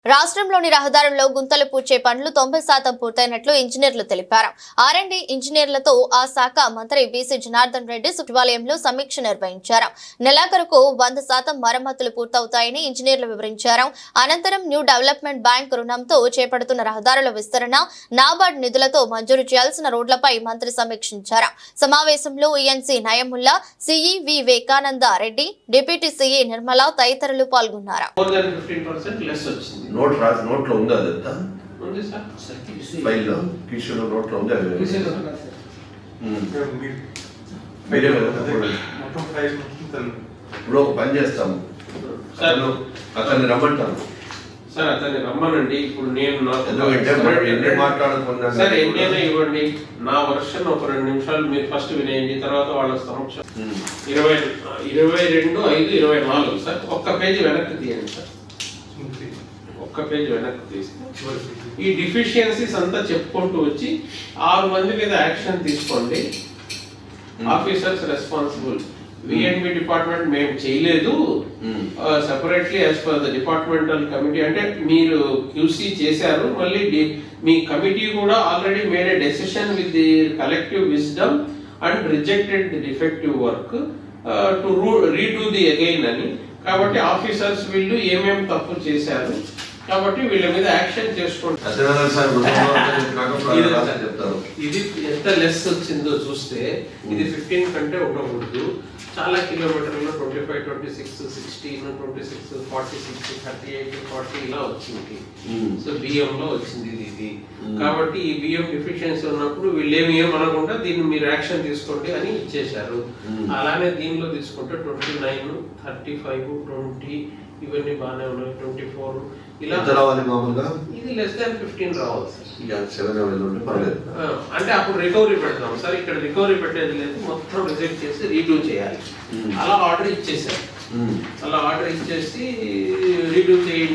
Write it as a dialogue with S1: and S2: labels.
S1: రాష్ట్రంలోని రహదారుల్లో గుంతలు పూడ్చే పనులు 90% పూర్తయినట్లు ఇంజనీర్లు తెలిపారు. ఆర్ఎండ్బి ఇంజనీర్లతో ఆ శాఖ మంత్రి బీసీ జనార్దన్ రెడ్డి సచివాలయంలో సమీక్ష నిర్వహించారు. నెలాఖరుకు 100% మరమ్మతులు పూర్తవుతాయని ఇంజనీర్లు వివరించారు. అనంతరం న్యూ డెవలప్మెంట్ బ్యాంక్ రుణంతో చేపడుతున్న రహదారుల విస్తరణ, నాబార్డ్ నిధులతో మంజూరు చేయాల్సిన రోడ్లపై మంత్రి సమీక్షించారు. సమావేశంలో ENC Nayamulla, CE Vivekananda Reddy, deputy CE Nirmala తదితరులు పాల్గొన్నారు.
S2: నోట్లో ఉందా అదంతా ఫైల్లో కిషోర్ నోట్లో ఉందా ఇప్పుడు ఒక పని చేస్తాము అతన్ని రమ్మంటాను
S3: సార్. అతన్ని రమ్మనండి. ఇప్పుడు నేను
S2: మాట్లాడుకున్నాను
S3: సార్, ఎన్నైనా ఇవ్వండి. నా వర్షన్ ఒక 2 నిమిషాలు మీరు ఫస్ట్ వినేయండి, తర్వాత వాళ్ళ సమక్షం 22/5/24 సార్. ఒక్క పేజీ వెనక్కి తీయండి సార్. ఒక్క పేజ్ వెనక్కి తీసి ఈ డిఫిషియన్సీస్ అంతా చెప్పుకుంటూ వచ్చి 6 మంది మీద యాక్షన్ తీసుకోండి. Officers responsible. విఎన్బి డిపార్ట్మెంట్ మేము చేయలేదు, separately as per the departmental committee. అంటే మీరు క్యూసీ చేశారు, మళ్ళీ మీ కమిటీ కూడా already made a decision with the collective wisdom and rejected the defective work to redo the again అని. కాబట్టి ఆఫీసర్స్ వీళ్ళు ఏమేమి తప్పు చేశారు కాబట్టి వీళ్ళ మీద యాక్షన్ చేసుకోండి. ఇది ఎంత లెస్ వచ్చిందో చూస్తే ఇది 15 కంటే ఉండకూడదు. చాలా కిలోమీటర్లు 25, 26, 16, 26, 46, 38, 40 ఇలా వచ్చింది. సో బియ్యం లో వచ్చింది ఇది. కాబట్టి ఈ బియ్యం డిఫిషియన్సీ ఉన్నప్పుడు వీళ్ళు ఏమనకుండా దీన్ని మీరు యాక్షన్ తీసుకోండి అని ఇచ్చేశారు. అలానే దీనిలో తీసుకుంటే 29, 35, 20 ఇవన్నీ బాగానే ఉన్నాయి. 24 ఇలా
S2: రావాలి మామూలుగా.
S3: ఇది లెస్ దాన్ 15 రావాలి సార్. అంటే అప్పుడు రికవరీ పెడతాం సార్. ఇక్కడ రికవరీ పెట్టేది లేదు, మొత్తం రిజెక్ట్ చేసి రీడూ చేయాలి. అలా ఆర్డర్ ఇచ్చేసారు. అలా ఆర్డర్ ఇచ్చేసి రీడూ చేయండి.